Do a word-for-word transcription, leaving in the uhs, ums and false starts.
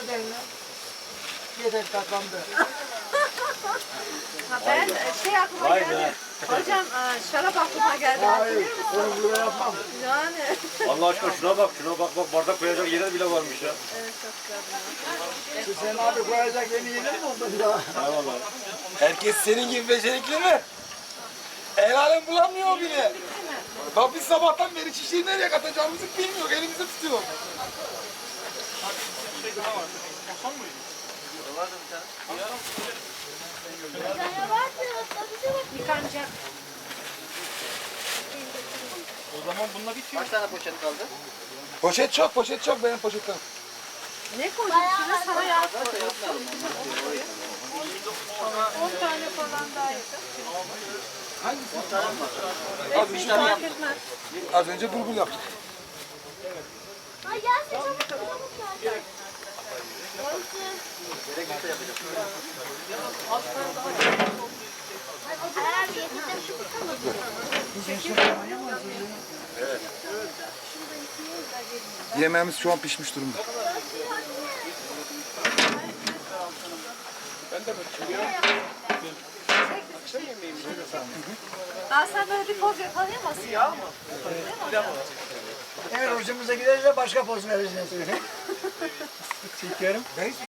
tut eline. Yeter tatlandı. Ha ben şey aklıma Vay geldi. be. Hocam e, şarap aklıma geldi. Hayır, Hatırlıyor musun? onu burada yapmam. Yani. Allah aşkına şuna bak, şuna bak bak bardak koyacak yerler bile varmış ya. Evet çok güzel. Sen abi koyacak yeni yeni mi oldu bir daha? Eyvallah. Herkes senin gibi becerikli mi? El alem bulamıyor bile. Bak biz sabahtan beri çiçeği nereye katacağımızı bilmiyor. Elimizde tutuyor. Yıkanacak. O zaman bununla bitiyor. Kaç tane poşet kaldı? Poşet çok, poşet çok benim poşetten. Ne koyacaksınız? Sana yaz koy. on tane falan daha yakın. Az Hiç önce, fark etmez. az önce bulgul yaptık. Ay gelsin çabuk çabuk gel. Gerekirse yapacağız. Eğer yedirdim şu Yemeğimiz şu an pişmiş durumda. Daha sen böyle bir poz yakalayamazsın. Ya mı? Eğer hoşumuza giderse başka poz vereceğiz. Ben hiç